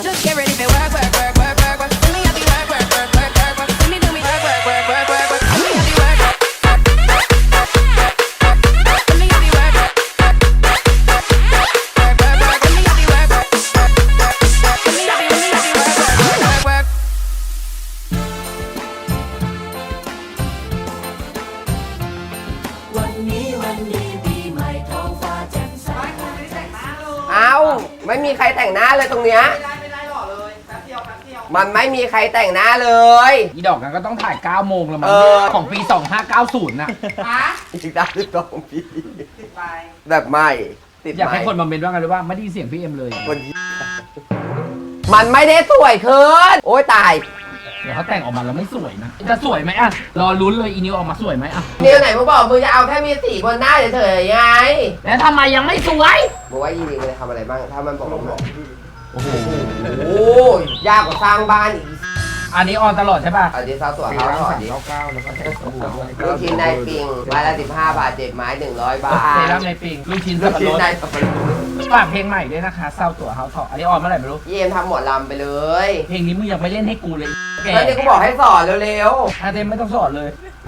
Just get ready for work, work, work, work, work, work. Let me have you work, work, work, work, work, work. Let me do me work, work, work, work, work, work. Let me have you work, work, work, work, work, work. Let me have you work, work, work, work, work, work. Let me have you work, work, work, work, work. Let me have you work, work, work, work, work. วันนี้ปีใหม่ท้องฟ้าแจ่มใสเอ้าไม่มีใครแต่งหน้าเลยตรงเนี้ยไม่ได้หล่อเลยแป๊บเดียวแป๊บเดียวมันไม่มีใครแต่งหน้าเลยอีดอกนั้นก็ต้องถ่าย9โมงแล้วมั้งเออของปี 2590น่ะฮะอีกด้าน12 ปีติดไปแบบใหม่ติดอยากใหม่ให้คนมาเมนว่าไงรู้ว่าไม่ได้ยินเสียงพี่เอ็มเลยคนมันไม่ได้สวยขึ้นโอ้ยตายเดี๋ยวเขาแต่งออกมาแล้วไม่สวยนะ จะสวยไหมอ่ะ รอลุ้นเลยอีนิวออกมาสวยไหมอ่ะนิวไหนมึงบอกมึงจะเอาแค่มีสีบนหน้าเฉยๆไงแล้วทำไมยังไม่สวยมึงว่าอีนิวมันจะทำอะไรบ้างถ้ามันบอกมึงโอ้โหโอ้ยยากกว่าสร้างบ้านอีกอันนี้ออนตลอดใช่ป่ะอันนี้เท้าตัวเขาถอดดิ 99แล้วก็แถมสบู่ด้วยลูกชิ้นในปิงไม้ละ15 บาท7ไม้100 บาทเซรั่มในปิงลูกชิ้นลูสับกปะชิ้รนดในสับปะรดฝากเพลงใหม่ด้วยนะคะเศร้าตัวเฮาทออันนี้ออนเมื่อไหร่ไม่รู้เยี่ยมทำหมดลำไปเลยเพลงนี้มึงยังไม่เล่นให้กูเลยแกแล้วนี่กูบอกให้สอนเร็วอาเต็มไม่ต้องสอนเลย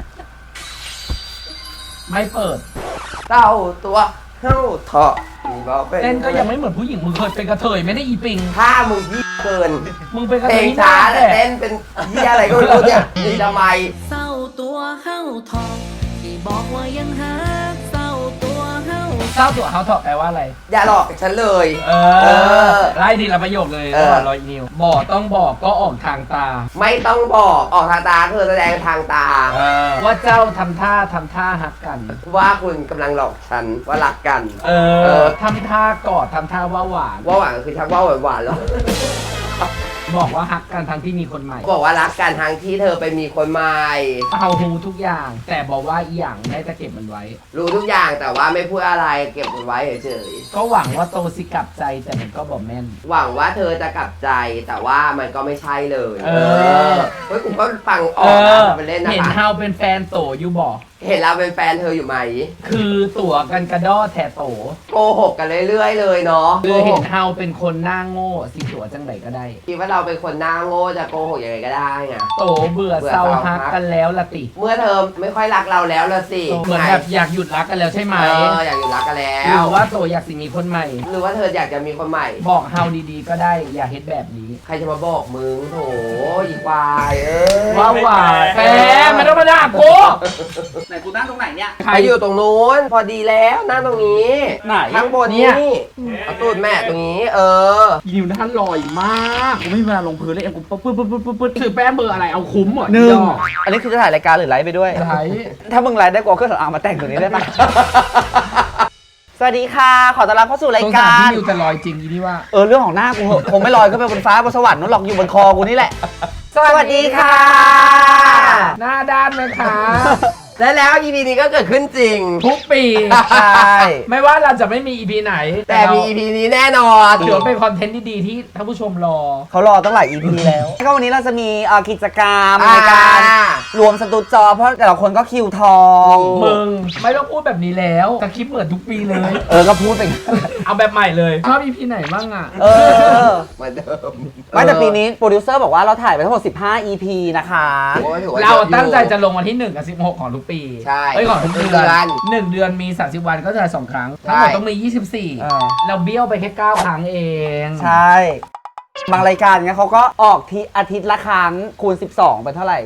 ไม่เปิดๆเต้าตัวเฮ้าเถาะมีบอกเป็นเต้นก็ยังไม่เหมือนผู้หญิงมึงเคยเป็นกระเทยไม่ได้อีปิงถ้ามึงยี่เกินมึงเป็นกระเพเทลยงที่ช้าหน้แต่เต้นเป็นยี่อะไรก็ไม่รู้เนี่ยนี่ทำไมเศร้าตัวเฮาทองที่บอกว่ายังหาเศร้าตัวเฮาเศร้าตัวเฮาทอแปลว่าอะไรอย่าหลอกฉันเลยเอเออไล่ทีละประโยคเลยเออระหว่างรอยนิวบอกต้องบอกก็ออกทางตาไม่ต้องบอกออกทางตาคือแสดงทางตาว่าเจ้าทำท่าฮักกันว่าคุณกำลังหลอกฉันว่ารักกันเออทำท่ากอดทำท่าว่าหวานว่าหวานคือชักว่าหวานๆแล้วบอกว่าฮักกันทั้งที่มีคนใหม่บอกว่ารักกันทางที่เธอไปมีคนใหม่เอาฮูทุกอย่าง แต่บอกว่าอีหยังได้จะเก็บมันไว้รู้ทุกอย่างแต่ว่าไม่พูดอะไรเก็บมันไว้เฉยก็หวังว่าโตสิกลับใจแต่มันก็บอกแม่นๆหวังว่าเธอจะกลับใจแต่ว่ามันก็ไม่ใช่เลยเออเฮ้ยผมก็ฟังออกนะทำเป็นเล่นนะเห็นคะเฮาเป็นแฟนโตอยู่บอกเห็นเราเป็นแฟนเธออยู่ไหมคือตัวกันกระด้อแทโตโกหกกันเรื่อยๆเลยเนาะคือเห็นเฮาเป็นคนหน้าโง่สิตัวจังไหนก็ได้คิดว่าเราเป็นคนหน้าโง่จะโกหกยังไงก็ได้ไงโตเบื่อเศร้าฮักกันแล้วละติเมื่อเธอไม่ค่อยรักเราแล้วละสิเหมือนแบบอยากหยุดรักกันแล้วใช่ไหมอยากอยู่รักกันแล้หรืวอว่าโตอยากสิมีคนใหม่หรือว่าเธออยากจะมีคนใหม่บอกเฮาดีๆก็ได้อย่าเฮ็ดแบบนี้ใครจะมาบอกมึงโถอีควายยว่าหวานแฟนไม่ต้องมาด่ากูไหนกูนั่งตรงไหนเนี่ยไปอยู่ตรงนู้นพอดีแล้วนั่งตรงนี้ไหนข้างบนเนี่นี่ยเอาตูดแม่ตรงนี้อีนิวท่านลอยมากกูไม่มีเวลาลงพื้นเลยเอ็มกูปึ๊ดถือแป้งเบอร์อะไรเอาคุ้มเหรอหนึ่งดอกอันนี้คือจะถ่ายรายการหรือไลฟ์ไปด้วยไลฟ์ถ้ามึงไลฟ์ได้กว่าเครื่องสำอางมาแต่งตัวนี้ได้ปะ สวัสดีค่ะ ขอต้อนรับเข้าสู่รายสงสารการพี่นิวแต่ลอยจริงอีนี่ว่าเรื่องของหน้ากูเหอะคงไม่ลอยขึ้นไปบนฟ้าบนสวรรค์นู้นหรอกอยู่บนคอกูนี่แหละสวัสดีค่ะ หน้าด้านไหมคะและแล้ว EP นี้ก็เกิดขึ้นจริงทุกปีใช่ไม่ว่าเราจะไม่มี EP ไหนแต่มี EP นี้แน่นอนถือว่าเป็นคอนเทนต์ดีๆที่ท่านผู้ชมรอเขารอตั้งหลาย EP แล้วก็วันนี้เราจะมีกิจกรรมในการ รวมสตูจอเพราะแต่ละคนก็คิวทองมึงไม่ต้องพูดแบบนี้แล้วสคริปต์เหมือนทุกปีเลยก็พูดไปเอาแบบใหม่เลยชอบ EP ไหนบ้างอ่ะเออเหมือนเดิมไม่แต่ปีนี้โปรดิวเซอร์บอกว่าเราถ่ายไปทั้งหมด15 EP นะคะโอ้ยถือว่เรายอะอยู่ตั้งใจจะลงวันที่1กับ16ของทุกปีใช่เอ้ยของทุกเดืเดืออนน1 เดือนมี30วันก็จะ2ครั้งใช่ทั้งหมดต้องมีเออ 24 เราเบี้ยวไปแค่9ครั้งเองใช่ บางรายการเงี้ยเขาก็ออกที่อาทิตย์ละครั้งคูณ 12 เป็นเท่าไหร่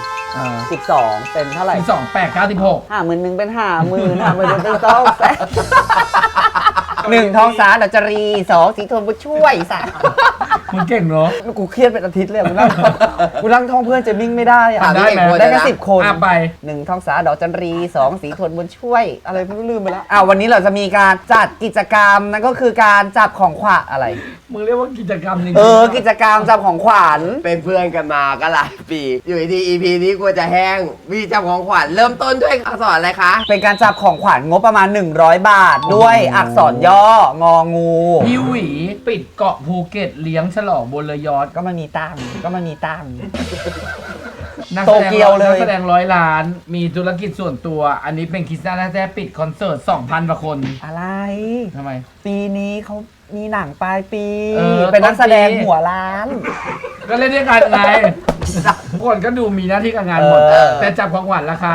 12 เป็นเท่าไหร่ 12 8 9 16 50,000เป็น50,000 50,000เป็นต้องแสน1ทองสาดัจจรี2สีทนบุญช่วย3 มึงเก่งเนาะกูเครียดเป็นอาทิตย์เลยกูนั่งท่องเพื่อนเจมิ่งไม่ได้อะทำได้ไหมได้แค่10 คนอ่ะไป 1ทองสาดอกจันรี2สีทนบุญช่วย อะไรไม่รู้ลืมไปแล้ววันนี้เราจะมีการจัดกิจกรรมนั่นก็คือการจับของขวัญอะไรมึงเรียกว่ากิจกรรมจริงกิจกรรมจับของขวัญเป็นเพื่อนกันมาก็หลายปี อยู่ที่ EP นี้กลัวจะแห้งมีจำของขวัญเริ่มต้นด้วยอักษรอะไรคะเป็นการจับของขวัญงบประมาณ100 บาท ด้วยอักษรย่ององูพี่หวีปิดเกาะภูเก็ตเลี้ยงฉลองบนเรือยอชต์ก็มันมีตังค์ก็มันมีตังค์นักโตเกียวเลยนักแสดง100 ล้าน มีธุรกิจส่วนตัว อันนี้เป็นคริสตัลแท้ๆปิดคอนเสิร์ต 2,000 กว่าคนอะไรทำไมปีนี้เขามีหนังปลายปีเออเป็นนักแสดงต้นปีหัวล้านก็เล่นด้วยกันไงทุกคนก็ดูมีหน้าที่การงานหมด แต่จับของขวัญราคา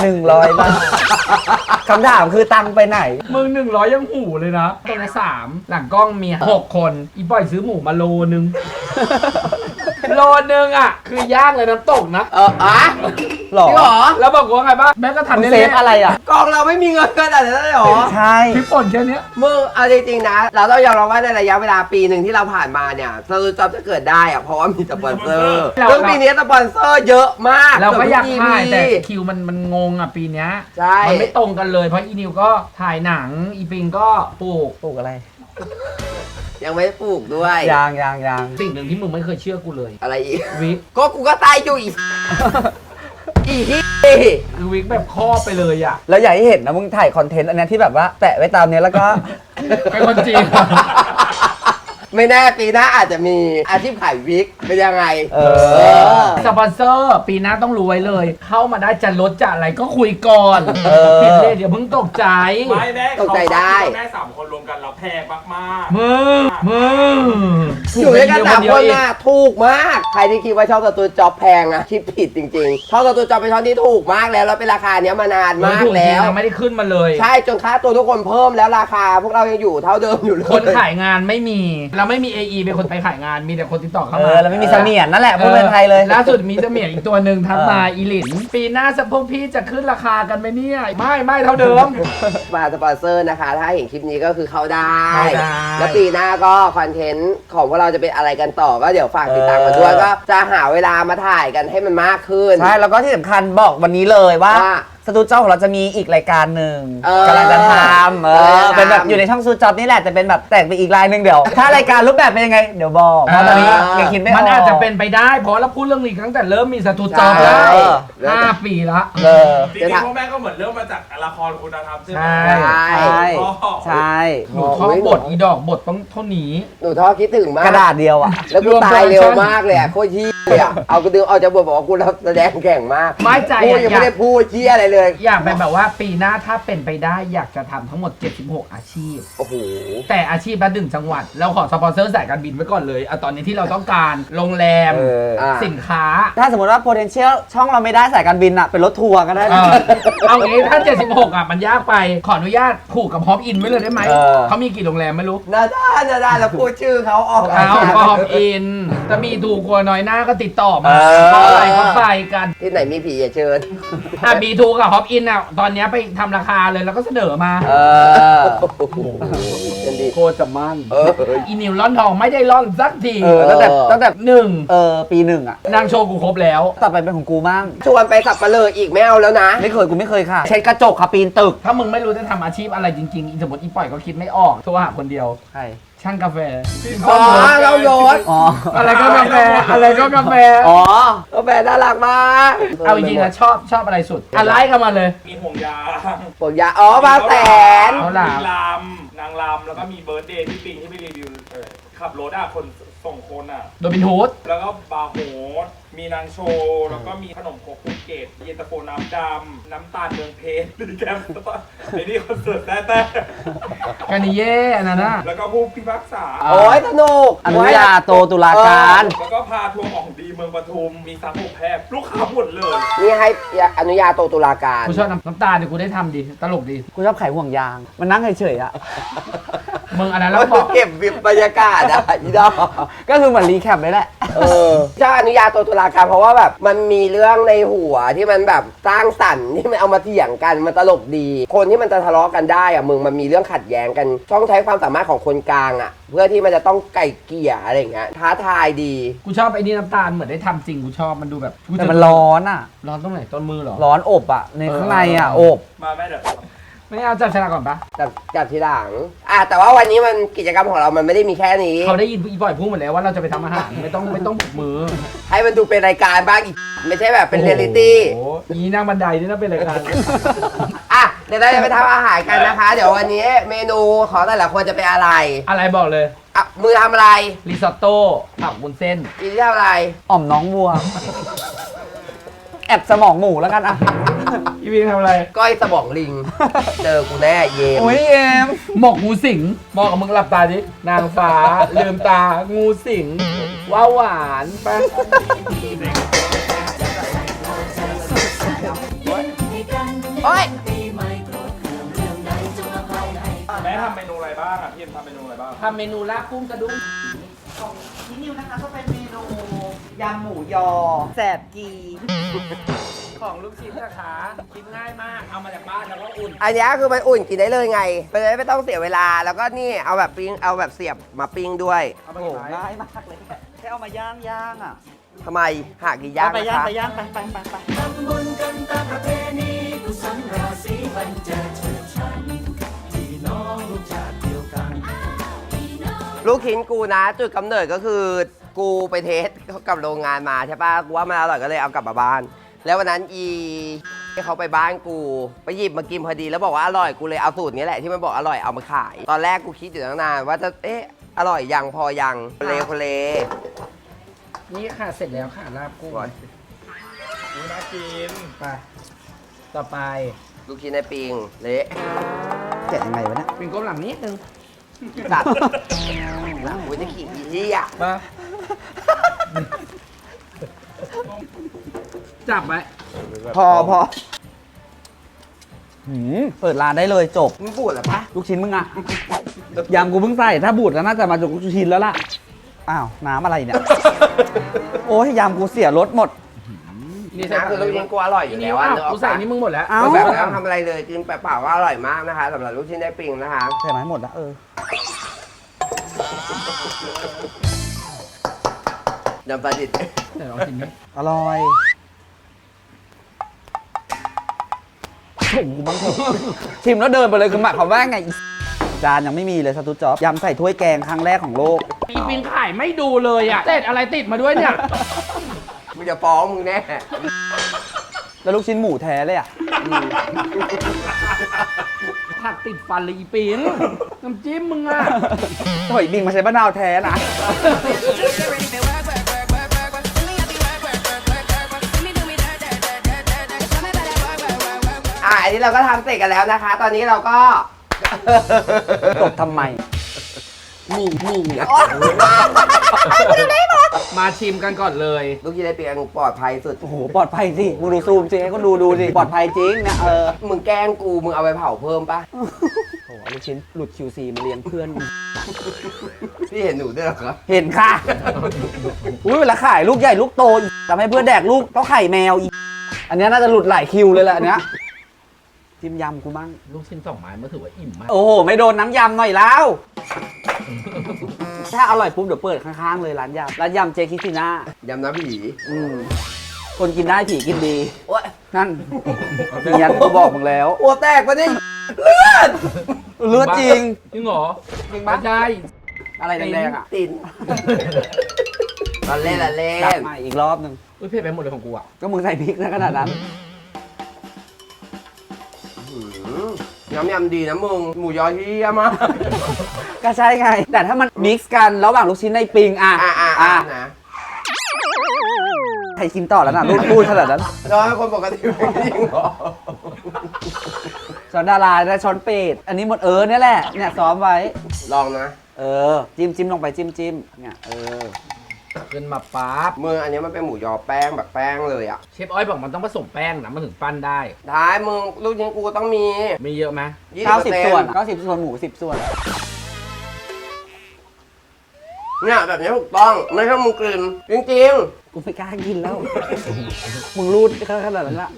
100 บาทคำถามคือตังค์ไปไหนมึง100ยังหูเลยนะตรงนี้3หลังกล้องมี6คนอีปอยซื้อหมูมาโลนึง โลนึงอ่ะ คือย่างเลยน้ำตกนะหรอจริงเหรอแล้วบอกว่าไงบ้างแม่ก็มึทำงได้เซเลยฟอะไรอ่ะกองเราไม่มีเงินขนาดนั้นเลยเหรอใช่พริกป่นแค่เนี้ยมึงเอาจริงๆนะ เราต้องยอมรับว่าในระยะเวลาปีหนึ่งที่เราผ่านมาเนี่ยสตูจ็อบจะเกิดได้อะเพราะว่ามีสปอนเซอร์ซึ่งปีนี้สปอนเซอร์เยอะมากเราก็อยากถ่ายเกืแต่อบทุกคิวมันงงอ่ะปีเนี้ยใช่มันไม่ตรงกันเลยเพราะอีนิวก็ถ่ายหนังอีปิงก็ปลูกปลูกอะไรยังไม่ได้ปลูกด้วยยางสิ่งหนึ่งที่มึงไม่เคยเชื่อกูเลยอะไรอีกวิกก็กูก็ตายอยู่อีก อีกที่คือวิกแบบครอบไปเลยอ่ะแล้วอยากให้เห็นนะมึงถ่ายคอนเทนต์อันเนี้ยที่แบบว่าแปะไว้ตามเนี้ยแล้วก็เป็นคนจีนไม่แน่ปีหน้าอาจจะมีอาชีพขายวิกเป็นยังไงเออสปอนเซอร์ปีหน้าต้องรู้ไว้เลย เข้ามาได้จะลดจะอะไรก็คุยก่อนเออเห็นเลยเดี๋ยวเพิ่งตกใจไม่แม่ตกใจได้แม่3 คนรวมกันเราแพงมากมึงอยู่ด้วยกันสามคนเดียวน่ะถูกมาก ใครที่คิดว่าชอบสตูจ็อบแพงอะคิดผิดจริงๆชอบสตูจ็อบเป็นช่องที่ถูกมากแล้วแล้วเป็นราคาเนี้ยมานานมากถูกจริแล้งวนะไม่ได้ขึ้นมาเลยใช่จนค่าตัวทุกคนเพิ่มแล้วราคาพวกเรายังอยู่เท่าเดิมอยู่เลยคนขายงานไม่มี เราไม่มี AE เป็นคนไปขายงานมีแต่คนติดต่อเข้าเอมาอ แล้วไม่มีเสมียนนั่นแหละพูดเป็นไทยเลยล่าสุดมีเสมียนอีกตัวหนึ่งทักมาเอออีหลิน ปีหน้าสะพวกพี่จะขึ้นราคากันไหมเนี่ย ไม่เท่าเดิมมาสปอนเซอร์นะคะ ถ้าเห็นคลิปนี้ก็คือเข้าได้เข้าได้แล้วปีหน้าก็คอนเทนต์ของพวกเราจะเป็นอะไรกันต่อก็เดี๋ยวฝากติดตามกันด้วยก็จะหาเวลามาถ่ายกันให้มันมากขึ้นใช่ แล้วก็ที่สำคัญบอกวันนี้เลยว่าว่าสตูดิโอของเราจะมีอีกรายการหนึ่งเออกำลังจะทำเป็นแบบอยู่ในช่องซูจ็อบนี่แหละแต่เป็นแบบแต่งไปอีกรายหนึ่งเดี๋ยว ถ้ารายการรูปแบบเป็นยังไง เดี๋ยวบอกเพราะตอนนี้ยังคิดไม่ออกมันอาจจะเป็นไปได้ เพราะเราพูดเรื่องนี้ตั้งแต่เริ่มมีสตูจอบใช่ได้5 ปีละเออๆจริงๆพวกแม่ก็เหมือนเริ่มมาจากละครคุณธรรมใช่ไหมใช่ใช่ใช่หนูท่องบทอีดอกบทต้องเท่านี้หนูท้อคิดถึงมากกระดาษเดียวอ่ะแล้วกูตายเร็วมากเลยอะโคตรเหี้ยอะเอากูดึงออกจากบทบอกว่ากูรับแสดงแข่งมากไม่ใจกูอะยังอไม่ยากได้พูดเหี้ยอะไรเลยอยากเป็นแบบว่าปีหน้าถ้าเป็นไปได้อยากจะทำทั้งหมด 76 อาชีพโอ้โหแต่อาชีพละ1 จังหวัด เราขอสปอนเซอร์สายการบินไว้ก่อนเลยตอนนี้ที่เราต้องการโรงแรมอ่าสินค้าถ้าสมมติว่า potential ช่องเราไม่ได้สายการบินอ่ะ เป็นรถทัวร์ก็ได้เอางี้ถ้า 76อ่ะมันยากไปขออนุญาตผูกกับฮอปอินไว้เลยได้ไหมเออเขามีกี่โรงแรมไม่รู้นาด้าแล้วพูดชื่อเขาออกเอาฮอปอินถ้ามีถูกกว่าน้อยหน้าก็ติดต่อมาเออเพราะอะไรก็ไปกันที่ไหนมีผีอย่าเชิญบีทูกับฮอปอินอ่ะตอนเนี้ยไปทำราคาเลยแล้วก็เสนอมาเออโอ้โหเป็นดีโคตรจะมั่นเอออีนิวร่อนทองไม่ได้ร่อนสักทีตั้งแต่หนึ่งปีหนึ่งอ่ะนางโชว์กูครบแล้วต่อไปเป็นของกูมั่งชวนไปสับปะเลออีกไม่เอาแล้วนะกูไม่เคยค่ะ เช็ดกระจกค่ะปีนตึกถ้ามึงไม่รู้จะทำอาชีพอะไรจริงๆอีสมมติอีปล่อยก็คิดไม่ออกโทรหาคนเดียวใช่ช่างกาแฟอ๋อเราโยนอ๋ออะไรก็กาแฟอะไรก็กาแฟอ๋อก็แฟนน่ารักมากเอาจริงๆนะชอบอะไรสุดอะไรเข้ามาเลยมีห่วงยางผมอยากอ๋อบางแสนเอามีล่ะลำนางลำแล้วก็มีเบิร์ดเดย์ที่ปิงที่ไปรีวิวขับรถคนส่งคนอ่ะโดบินฮูดแล้วก็บาร์โฮสมีนางโชว์แล้วก็มีขนมครกภูเก็ตเย็นตาโฟน้ำดำน้ำตาลเมืองเพชรดีแกมไอ้นี่คอนเสิร์ตแต่กานิเย่อันนั้นน่ะแล้วก็ผู้พิพากษาโอ้ยสนุกอนุญาโตตุลาการแล้วก็พาทัวร์ของดีเมืองปทุมมีซักโอแพบลูกค้าหมดเลยนี่ให้อนุญาโตตุลาการกูชอบน้ำตาลเดี๋ยวกูได้ทำดีตลกดีกูชอบไขห่วงยาง มันนั่งเฉยๆอ่ะมึงอันนั้นแล้แล้ว วก็บอกเก็บวิบบรรยากาศอะอีดอกก็คือเหมือนรีแคปเลยแหละเจ้าอนุญาโตตุลาการเพราะว่าแบบมันมีเรื่องในหัวที่มันแบบสร้างสรรค์ที่มันเอามาเถียงกันมันตลกดี คนที่มันจะทะเลาะกันได้อะมึงมันมีเรื่องขัดแย้งกันต้องใช้ความสามารถของคนกลางอะเพื่อที่มันจะต้องไก่เกลี่ยอะไรอย่างเงี้ยท้าทายดีกูชอบไอ้นี่น้ำตาลเหมือนได้ทำจริงกูชอบมันดูแบบกูแต่มันร้อนอ่ะร้อนตรงไหนต้นมือเหรอร้อนอบอ่ะ ในข้างในอ่ะ อบมาแม่เดี๋ยวไม่เอาจับฉลากก่อนปะจับทีหลังแต่ว่าวันนี้มันกิจกรรมของเรามันไม่ได้มีแค่นี้เขาได้ยินอีบ่อยพูดหมดแล้วว่าเราจะไปทำอาหารไม่ต้องบุกมือให้มันดูเป็นรายการบ้างอีกไม่ใช่แบบเป็นเรียลลิตี้โอ้โหอีนั่งบันไดนี่น่าเป็นรายการเดี๋ยวเราจะไปทำอาหารกันนะคะ เดี๋ยววันนี้เมนูของแต่ละคนจะเป็นอะไรอะไรบอกเลยมือทำอะไรริซอตโต้ผักบุนเส้นอีที่ทำอะไรอ่อมน้องวัว แอบสมองหมูแล้วกันอ่ะอีวิงทำอะไรก้อยสมองลิง เจอกูแน่เย็นโอ้ยเอ็มหมกงูสิงมองกับมึงหลับตาดินางฟ้า ลืมตางูสิงว้าหวานไปโอ๊ยแม่ทำเมนูอะไรบ้างอ่ะพี่เอ็มทำเมนูอะไรบ้างทำเมนูลาบกุ้งกระดุมที่นิวนะคะก็เป็นเมนูยำหมูยอแสบกีของลูกชิ้นนะคะกินง่ายมากเอามาจากบ้านแล้วก็อุ่นอันนี้คือมันอุ่นกินได้เลยไงมันจะได้ไม่ต้องเสียเวลา แล้วก็นี่เอาแบบปิ้ง เอาแบบเสียบมาปิ้งด้วยโอ้โหง่ายมากเลยแค่เอามาย่างอ่ะทำไมหากี่ย่างไปนะย่างคะไปย่างไปลูกชิ้นกูนะ จุดกำเนิดก็คือกูไปเทสกับโรงงานมาใช่ปะกูว่ามันอร่อยก็เลยเอากลับมาบ้าน แล้ววันนั้นที่เขาไปบ้านกูไปหยิบมากินพอดีแล้วบอกว่าอร่อยกูเลยเอาสูตรนี้แหละที่มันบอกอร่อยเอามาขาย ตอนแรกกูคิดอยู่ตั้งนานว่าจะอร่อยยังพอยังโคเลนี่ค่ะเสร็จแล้วค่ะลาบกุ้งก่อนอุ้ยน่ากินไปต่อไปลูกชิ้นในปิงเละแกะยังไงวะเนี่ยเป็นก้มหลังนิดนึงสัตว์หลังกูจะขี่อีที่อ่ะมาจับไว้พอเปิดร้านได้เลยจบมึงปวดเหรอปะลูกชิ้นมึงอะยำกูเพิ่งใส่ถ้าบูดก็น่าจะมาจากลูกชิ้นแล้วล่ะอ้าวน้ำอะไรเนี่ย โอ้ยยำกูเสียรสหมดนี่นะคือลูกชิ้นกูอร่อยอยู่นี่แล้วว่าอะนึกอกูอกใส่ปะนี่มึงหมดแล้วเอ้าแบบไม่ต้องทำอะไรเลยกินเปล่าๆก็อร่อยมากนะคะสำหรับลูกชิ้นในปิงนะคะใส่ไหมหมดละยำปลาดิบไหนลองชิมดิอร่อยชมกูบ้างเถอะชิมแล้วเดินไปเลยคือหมายความว่าไงอีจานยังไม่มีเลยสตูจ๊อบยำใส่ถ้วยแกงครั้งแรกของโลกอีปิงขายไม่ดูเลยอ่ะเศษอะไรติดมาด้วยเนี่ยมึงจะฟ้องมึงแน่แล้วลูกชิ้นหมูแท้เลยอ่ะผักติดฟันเลยอีปิงน้ำจิ้มมึงอ่ะถอยบิงมาใช้มะนาวแท้นะอันนี้เราก็ทำเสร็จกันแล้วนะคะ ตอนนี้เราก็ตบทำไมนี่นะมาชิมกันก่อนเลยลูกชิ้นในปิงปลอดภัยสุดโอ้โห ปลอดภัยสิมึงดูซูมสิให้คนดูสิ ปลอดภัยจริงนะมึงแกล้งกูมึงเอาไปเผาเพิ่มปะโอ้โหลูกชิ้นหลุด QC มาเลี้ยงเพื่อนพี่เห็นหนูด้วยเหรอครับเห็นค่ะ อุ้ยเวลาขายลูกใหญ่ลูกโตอีกทำให้เพื่อนแดกลูกต้องไข่แมวอีก อันเนี้ยน่าจะหลุดหลายคิวเลยแหละอันเนี้ยจิ้มยำกูบ้างลูกชิ้น2 ไม้มันถือว่าอิ่มมากโอ้โห ไม่โดนน้ำยำหน่อยแล้ว ถ้าอร่อยปุ๊บเดี๋ยวเปิดข้างๆเลยร้านยำเจคิซิน่ายำน้ำผีคนกินได้ผีกินดีโอ๊ยนั่นเนียนกูบอกมึงแล้วโอ้แตกปะเนี่ยเลือดจริงจริงเหรอจริงไม่ปะได้อะไรแดงๆอ่ะตินตอนเล่นละเล่กลับนมาอีกรอบหนึ่งอุ้ยเผ็ดไปหมดเลยของกูอ่ะก็มึงใส่พริกนะขนาดนั้นยำดีนะมึง หมูยอที่เยี่ยมากก็ใช่ไง แต่ถ้ามันมิกซ์กันระหว่างลูกชิ้นในปิงอ่ะนะใครกินต่อแล้วน่ะรูดขนาดนั้นรอให้คนปกติไม่จริงเหรอช้อนดาราและช้อนเป็ดอันนี้หมดเนี่ยแหละเนี่ยซ้อมไว้ลองนะจิ้มลงไปจิ้มเนี่ยขึ้นมาปั๊บมืออันนี้มันเป็นหมูยอแป้งแบบแป้งเลยอ่ะเชฟอ้อยบอกมันต้องผสมแป้งนะมันถึงปั้นได้ท้ายมึงลูกชิ้นกูต้องมีมีเยอะไหม 90 ส่วน90 ส่วนหมู10 ส่วนเนี่ยแบบนี้ถูกต้อง ไม่ใช่มึงกลืนจริงกูไม่กล้ากินแล้ว มึงรูดขนาดนั้นละ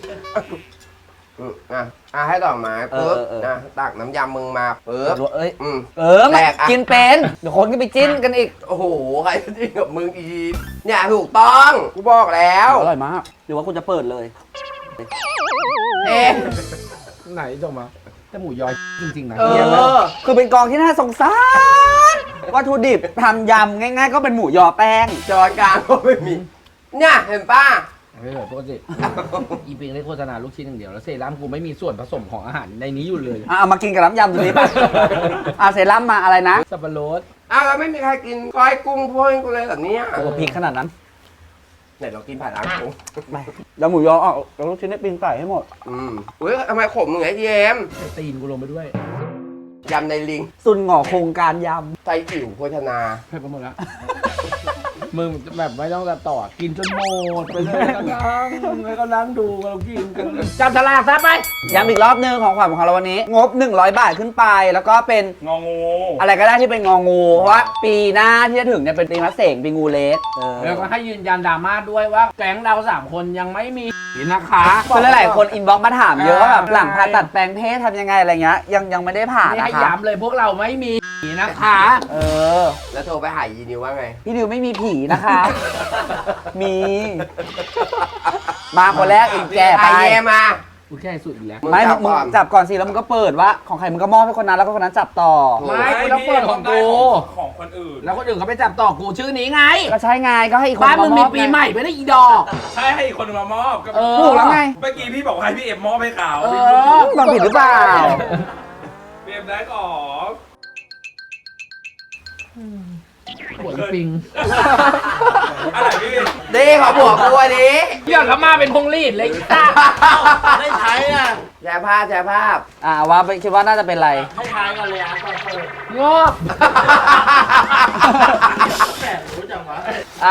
ๆให้ดอกไม้ปุ๊บเออนะตักน้ำยำมึงมาปุ๊บเอ้ยแตกอะกินเป็นเดี๋ยวคนก็ไปจิ้นกันอีกโอ้โห ใครจะจริงกับมึงอีกเนี่ยถูกต้อง กูบอกแล้วอร่อยมากหรือว่ากูจะเปิดเลยเอ๊ะไหนจงมาแต่หมูยอจริงๆนะคือเป็นกองที่น่าสงสารวัตถุดิบทำยำง่ายๆ ก็เป็นหมูยอแป้งจอนกลางก็ไม่มี เนี่ยเห็นป่ะไม่เหมือนปกติ อีปิงได้โฆษณาลูกชิ้นอย่างเดียวแล้วเซรั่มกูไม่มีส่วนผสมของอาหารในนี้อยู่เลยเอามากินกับน้ำยำตัวนี้ป่ะ เซรั่มมาอะไรนะสับปะรดอ้าวแล้วไม่มีใครกินก้อยกุ้งพวกกูเลยแบบเนี้ยโอ้พริกขนาดนั้นไหนเรากินผ่านร้านกูไม่แล้วหมูยอเอาแล้วลูกชิ้นได้ปิ้งไก่ให้หมดอุ้ยทำไมขมมึงไอ้ทีเอมไอ้ตีนกูลงไปด้วยยำในลิงสุนหงอโครงการยไตอิ๋วโภชนาเผ็ดไปหมดแล้ว มึงแบบไม่ต้องต่อกินจนหมดไปเลยแล้วก็นั่งดูเรากินกันจับฉลากซะไปำย้ำอีกรอบนึงของขวัญของเราวันนี้ งบ 100 บาทขึ้นไป แล้วก็เป็นงองูอะไรก็ได้ที่เป็นงองู เพราะว่าปีหน้าที่จะถึงเนี่ยเป็นปีมะเสงปีงูเล็กแล้วก็ให้ยืนยันดราม่าด้วยว่าแก๊งเรา3 คนยังไม่มีนะคะคือหลายๆคนอินบ็อกซ์มาถามเยอะว่าแบบหลังผ่าตัดแปลงเพศทำยังไงอะไรเงี้ยยังไม่ได้ผ่านี่นะให้คะย้ำเลยพวกเราไม่มีนะคะเออแล้วโทรไปหายีนิวว่าไงพี่นิวไม่มีผีนะคะ มี มาคนแรกอีกแกไปไอเยมากูแค่สุดอีกแล้วไม่จับมึงก่อนจับก่อนสิแล้วมึงก็เปิดว่าของใครมึงก็มอบให้คนนั้นแล้วก็คนนั้นจับต่อไม่กูต้องเปิดของกูของคนอื่นแล้วคนอื่นเขาไปจับต่อกูชื่อนี้ไงก็ใช่ไงก็ให้อีกคนบ้านมึงมีอบปีไงใหม่ไม่ได้อีดอกใช่ให้อีกคนนึงมามอบก็เออถูกแล้วไงเมื่อกี้พี่บอกว่าให้พี่เอ็มมอบให้เขาเอฟังผิดหรือเปล่าพี่เอ็มได้ก่อนหัวปิงอะไรพี่ดีขอผัวกูอันนี้เรื่องเขามาเป็นพงรีดเลยอีต้าได้ใช้อ่ะแชร์ภาพแชร์ภาพว่าไปคิดว่าน่าจะเป็นอะไรให้ทายกันเลยอ่ะก่อนเปิดงอก แหมรู้จังวะ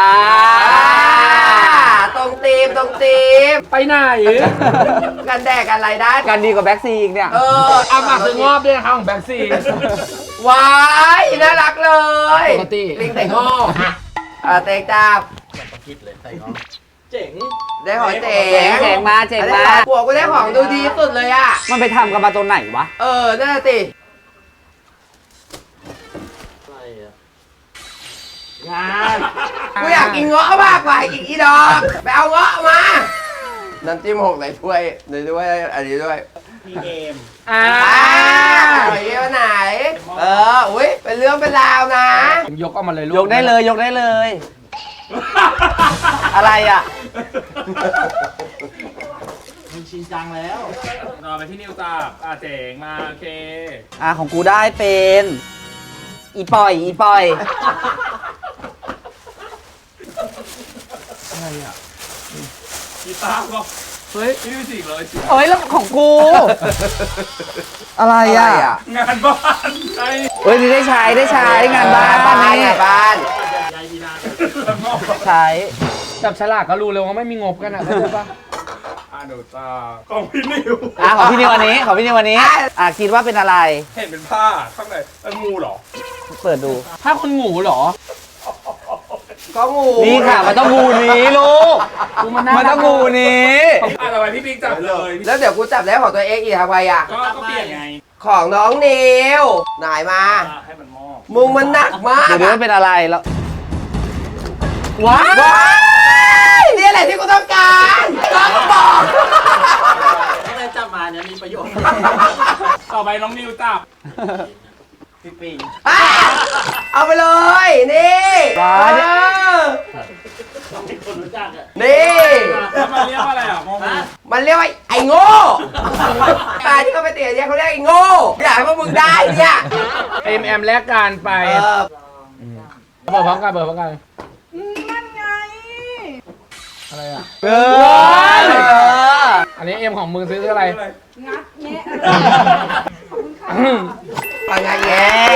ตรงตีมตรงตีมไปไหนกันแดกกันอะไรได้การดีกว่าแบ็กซีอีกเนี่ยเอามาซื้องอบด้วยนะครับของแบงค์ซีว้ายน่ารักเลยปกติลิงแต่งอกเตงจับเจ๋งได้ของเจ๋เจ๋งมาเจ๋งมาได้ของผัวกูได้ของดูดีสุดเลยอ่ะมันไปทำกันมาตัวไหนวะนั่นน่ะสิงานกูอยากกินเงาะมากกว่าอีกอีดอกไปเอาเงาะมา น้ำจิ้มหกในถ้วยในถ้วยอันนี้ด้วยพี่เอ็มไหนไหน อุ้ยเป็นเรื่องเป็นราวนะยกออกมาเลยลูกยกได้เลยยกได้เลย อะไรอ่ะมันชินจังแล้วนอนไปที่นิวจับเจ๋งมาโอเคของกูได้เป็นอีปอยอีปอยอะไรอ่ะกีตาร์ก็เฮ้ยพี่ดูสิเลยสิเอ้ยแล้วของกู อะไรอ่ะงานบ้านใช่เฮ้ยนี่ได้ใช้งานบ้านบ้านนี่บ้านแล้วงอกใช้จับฉลากก็รู้เลยว่าไม่มีงบกันอ่ะเข้าใจปะหนูจ้าของพี่นิวของพี่นิววันนี้คิดว่าเป็นอะไรเห็นเป็นผ้าข้างในเป็นงูเหรอเปิดดูถ้าคนงูเหรอก็งูนี่ค่ะมันต้องงูนี้ลูกกูมันน่ามันต้องงูนี้ทำไมพี่บิ๊กจับเลยแล้วเดี๋ยวกูจับได้ของตัวเองอีกทำไมอ่ะก็เปลี่ยนไงของน้องนิวไหนมาให้มันมอบมึงมันหนักมากเดี๋ยวมันเป็นอะไรแล้วว้าว้ายนี่แหละที่กูต้องการก็บอกอะไรจับมาเนี่ยมีประโยชน์ต่อไปน้องนิวจับพี่ปิงเอาไปเลยนี่ว้าเนี่ยคนรู้จักอ่ะนี่แล้วมันเรียกว่าอะไรอ่ะงงมันเรียกว่าไอ้โง่ตาที่เขาไปเตะเนี่ยเขาเรียกไอ้โง่อยากให้พวกมึงได้เนี่ยเอ็มแลกการไปเปิดพร้อมกันนั่นไงอะไรอ่ะ อันนี้เอ็มของมึงซื้ออะไรปังไงแย่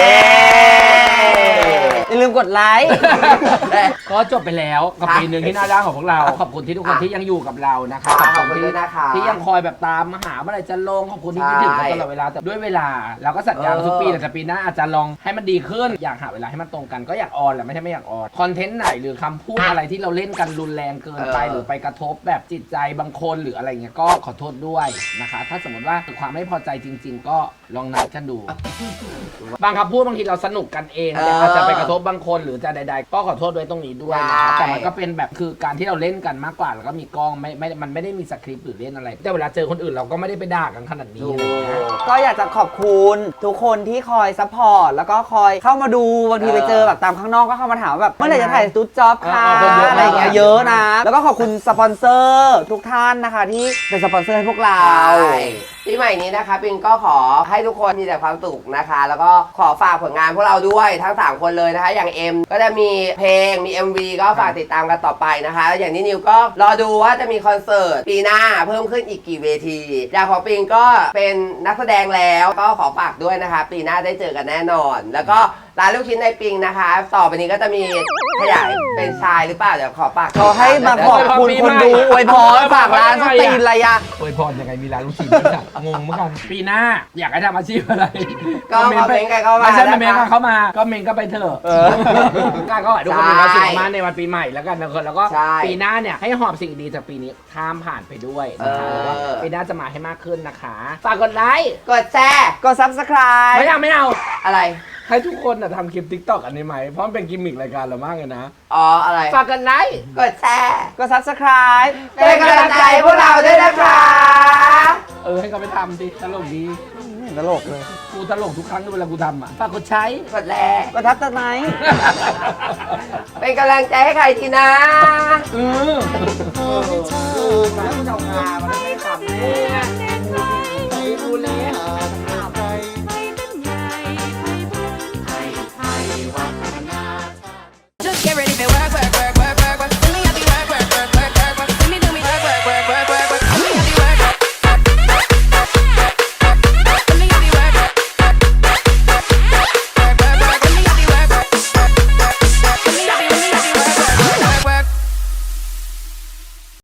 อย่าลืมกดไลค์ก็จบไปแล้วกับปีหนึ่งที่น่ารักของพวกเรา ขอบคุณที่ทุกคนที่ยังอยู่กับเรานะคะขอบคุณด้วยนะคะที่ยังคอยแบบตามมาหาเมื่อไหร่จะลงขอบคุณที่คิดถึงกันตลอดเวลาแต่ด้วยเวลาเราก็สัญญาทุกปีแต่ปีหน้าอาจจะลองให้มันดีขึ้นอยากหาเวลาให้มันตรงกันก็อยากออนแหละไม่ใช่ไม่อยากออนคอนเทนต์ไหนหรือคำพูดอะไรที่เราเล่นกันรุนแรงเกินไปหรือไปกระทบแบบจิตใจบางคนหรืออะไรเงี้ยก็ขอโทษด้วยนะคะ ถ้าสมมติว่าเกิดความไม่พอใจจริง ๆ ก็ลองนัดกันดู บางคำพูดบางทีเราสนุกกันเองแต่อาจจะไปกระทบบางคนหรือจะใดๆก็ขอโทษด้วยตรงนี้ด้วยนะคะแต่มันก็เป็นแบบคือการที่เราเล่นกันมากกว่าแล้วก็มีกล้องมันไม่ได้มีสคริปต์หรือเล่นอะไร แต่เวลาเจอคนอื่นเราก็ไม่ได้ไปด่ากันขนาดนี้อะไรอย่างเงี้ยก็อยากจะขอบคุณทุกคนที่คอยซัพพอร์ตแล้วก็คอยเข้ามาดูบางทีไปเจอแบบตามข้างนอกก็เข้ามาถามว่าแบบเมื่อไหร่จะถ่ายตุ๊ดจ็อบค่ะอะไรอย่างเงี้ยเยอะนะ แล้วก็ขอบคุณสปอนเซอร์ทุกท่านนะคะที่เป็นสปอนเซอร์ให้พวกเราปีใหม่นี้นะคะปิงก็ขอให้ทุกคนมีแต่ความสุขนะคะ แล้วก็ขอฝากผลงานพวกเราด้วยทั้ง3คนเลยนะคะ อย่างเอ็มก็จะมีเพลงมี MV ก็ฝากติดตามกันต่อไปนะคะแล้วอย่างนี้นิวก็รอดูว่าจะมีคอนเสิร์ตปีหน้าเพิ่มขึ้นอีกกี่เวทีอย่างของปิงก็เป็นนักแสดงแล้วก็ขอฝากด้วยนะคะ ปีหน้าได้เจอกันแน่นอน แล้วก็ร้านลูกชิ้นในปิงนะคะ ต่อไปนี้ก็จะมีขยายเป็นชายหรือเปล่าเดี๋ยวขอฝากเขาให้มาขอบคุณคนดูอวยพรฝากร้านสตรีนอะไรอะอวยพรยังไงมีร้านลูกชิ้นด้วยอะงงเหมือนกันปีหน้าอยากให้ทำอาชีพอะไรก็คอมเมนต์กันเข้ามาไม่ใช่นะคะเมนต์เข้ามาก็เมนต์ก็ไปเถอะการก็ทุกคนมีความสุขมากในวันปีใหม่แล้วกันนะคนแล้วก็ใช่ปีหน้าเนี่ยให้หอบสิ่งดีจากปีนี้ข้ามผ่านไปด้วยนะคะแล้วก็ปีหน้าจะมาให้มากขึ้นนะคะฝากกดไลค์กดแชร์ก็ subscribe ไม่เอาอะไรให้ทุกคนทำคลิป TikTok อันนี้ไหมเพราะมันเป็นกิมมิครายการเรามากเลยนะอ๋ออะไรฝากกดไลค์กดแชร์ก็ subscribe เป็นกำลังใจให้พวกเราด้วยนะคะให้เขาไปทำดิตลกดีตลกเลยกูตลกทุกครั้งเวลากูทำอ่ะฝากกดใช้กดแลก็ทับตะไนเป็นกำลังใจให้ใครทีนะเออแล้วมันจะเอางามันไม่ทำกูเล่น Just get ready for work, work, work.